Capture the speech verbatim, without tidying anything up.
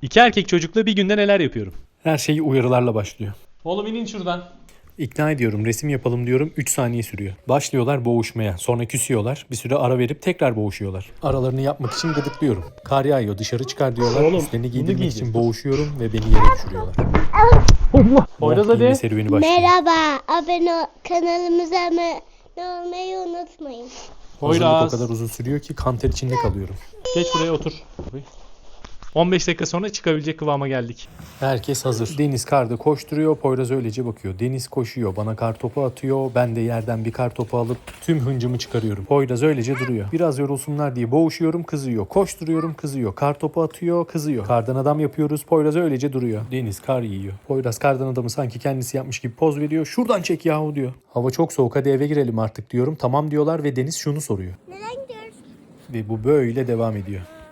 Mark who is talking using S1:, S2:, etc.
S1: İki erkek çocukla bir günde neler yapıyorum?
S2: Her şey uyarılarla başlıyor.
S1: Oğlum inin şuradan.
S2: İkna ediyorum, resim yapalım diyorum, üç saniye sürüyor. Başlıyorlar boğuşmaya, sonra küsüyorlar, bir süre ara verip tekrar boğuşuyorlar. Aralarını yapmak için gıdıklıyorum. Kar yağıyor, dışarı çıkar diyorlar,
S1: Oğlum,
S2: üstlerini
S1: bunu
S2: giydirmek
S1: giyeceğiz,
S2: için
S1: dur.
S2: boğuşuyorum ve beni yere düşürüyorlar.
S1: Poyraz
S2: Mont giyme
S1: hadi.
S2: serüveni başlıyor.
S3: Merhaba, abone ol- kanalımıza abone olmayı unutmayın.
S2: Hazırlık o
S1: Poyraz.
S2: kadar uzun sürüyor ki kan ter içinde kalıyorum.
S1: Geç buraya otur. on beş dakika sonra çıkabilecek kıvama geldik.
S2: Herkes hazır. Deniz karda koşturuyor, Poyraz öylece bakıyor. Deniz koşuyor, bana kar topu atıyor. Ben de yerden bir kar topu alıp tüm hıncımı çıkarıyorum. Poyraz öylece duruyor. Biraz yorulsunlar diye boğuşuyorum, kızıyor. Koşturuyorum, kızıyor. Kar topu atıyor, kızıyor. Kardan adam yapıyoruz, Poyraz öylece duruyor. Deniz kar yiyor. Poyraz kardan adamı sanki kendisi yapmış gibi poz veriyor. Şuradan çek yahu diyor. Hava çok soğuk, hadi eve girelim artık diyorum. Tamam diyorlar ve Deniz şunu soruyor.
S3: Neden gidiyoruz?
S2: Ve bu böyle devam ediyor.